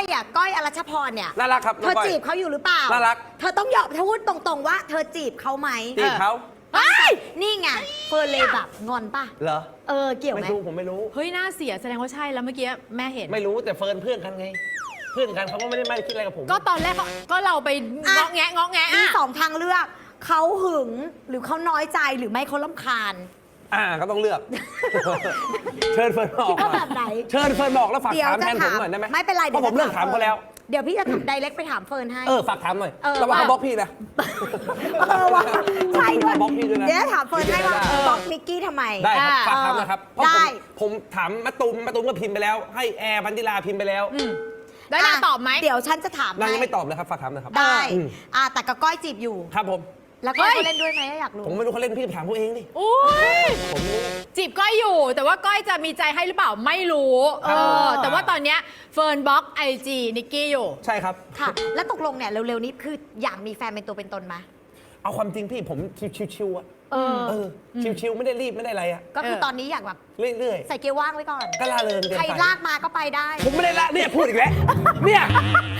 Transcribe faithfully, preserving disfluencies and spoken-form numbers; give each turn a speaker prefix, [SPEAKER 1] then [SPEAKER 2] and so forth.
[SPEAKER 1] อ่ะก้อยอรัชพรเนี่ย
[SPEAKER 2] น่ารักครับ
[SPEAKER 1] เธอจีบเขาอยู่หรือเปล่า
[SPEAKER 2] น่ารัก
[SPEAKER 1] เธอต้องยอมเธอพูดตรงๆว่าเธอจีบเขาไหม
[SPEAKER 2] จีบเขา
[SPEAKER 1] เฮ้ยนี่ไงเฟิร์นเลยแบบงอนป่ะ
[SPEAKER 2] เหรอ
[SPEAKER 1] เออเกี่ยวไหม
[SPEAKER 2] ไม่รู้ผมไม่รู้
[SPEAKER 3] เฮ้ยน่าเสียแสดงว่าใช่แล้วเมื่อกี้แม่เห็น
[SPEAKER 2] ไม่รู้แต่เฟิร์นเพื่อนกันไง เพื่อนกันเขาก็ไม่ได้ไม่ได้คิดอะไรกับผม
[SPEAKER 3] ก็ตอนแรกเขาก็เราไปเงาะแงะเงาะแงะ
[SPEAKER 1] มี
[SPEAKER 3] อะ
[SPEAKER 1] สองทางเลือกเขาหึงหรือเขาน้อยใจหรือไม่เขาลำคาญ
[SPEAKER 2] อ่าก็ต้องเลือก เชิญเฟิร์นมาออก
[SPEAKER 1] คิดว่าแบบไหน
[SPEAKER 2] เชิญเฟิร์นมาออกแล้วฝาก
[SPEAKER 1] เดี๋ยว
[SPEAKER 2] ถามแท
[SPEAKER 1] จะ
[SPEAKER 2] นผม
[SPEAKER 1] ถาม
[SPEAKER 2] หน่อยได้ไหม
[SPEAKER 1] ไม่เป็นไร
[SPEAKER 2] เพราะผมเลิกถามเขาแล้ว
[SPEAKER 1] เดี๋ยวพี่จะไดเรกไปถามเฟิร์นให้
[SPEAKER 2] เออฝากถามหน่อย
[SPEAKER 1] เออ
[SPEAKER 2] ระวัง
[SPEAKER 1] ว่า
[SPEAKER 2] เขาบล็อกพี่นะ
[SPEAKER 1] เออว่าใช่ด้วย
[SPEAKER 2] บล็อกพี่ด้วยนะ
[SPEAKER 1] เดี๋ยวถามเฟิร์นให้ว่า
[SPEAKER 2] ได้
[SPEAKER 1] บล็อกนิกกี้ทำไม
[SPEAKER 2] ได้ครับ
[SPEAKER 1] อ่
[SPEAKER 2] ฝากถามนะครับเพราะ
[SPEAKER 1] ได้
[SPEAKER 2] ผมผมถามมะตูมมะตูมก็พิมพ์ไปแล้ว ให้แอร์พันธิลาพิมพ์ไปแล้ว
[SPEAKER 3] ได้นางตอบไหม
[SPEAKER 1] เดี๋ยวฉันจะถาม
[SPEAKER 2] นาง
[SPEAKER 1] ให้
[SPEAKER 2] ยังไม่ตอบเลยครับฝากถามนะครับ
[SPEAKER 1] ได้
[SPEAKER 2] อืม
[SPEAKER 1] อ่าแต่กับก้อยจีบอยู่
[SPEAKER 2] ครับผม
[SPEAKER 1] แล้วก้อยเขาเล่นด้วยไหมอยากรู้
[SPEAKER 2] ผมไม่รู้เขาเล่นพี่ไปถามเขาเองดิ
[SPEAKER 3] อุ้ย
[SPEAKER 2] ผมไม่รู้
[SPEAKER 3] จีบก้อยอยู่ แต่ว่าก้อยจะมีใจให้หรือเปล่าไม่รู้เออแต่ว่าตอนเนี้ยเฟิร์นบล็อกไอจีนิกกี้อยู่
[SPEAKER 2] ใช่ครับ
[SPEAKER 1] ค่ะ แล้วตกลงเนี่ยเร็วๆนี้คืออยากมีแฟนเป็นตัวเป็นตนไหม
[SPEAKER 2] เอาความจริงพี่ผมชิวๆอะ
[SPEAKER 1] เออ
[SPEAKER 2] เออชิวๆไม่ได้รีบไม่ได้อะไรอะ
[SPEAKER 1] ก็คือ
[SPEAKER 3] เออ
[SPEAKER 1] ตอนนี้อยากแบบ
[SPEAKER 2] เรื่อย
[SPEAKER 1] ใส่เกียร์ว่างไว้ก่อน
[SPEAKER 2] ๆก็ล่าเริงเกิน
[SPEAKER 1] ใคร
[SPEAKER 2] ไป
[SPEAKER 1] ลากมาก็ไปได้
[SPEAKER 2] ผมไม่ได้ละเนี่ยพูดอีกแล้วเนี่ย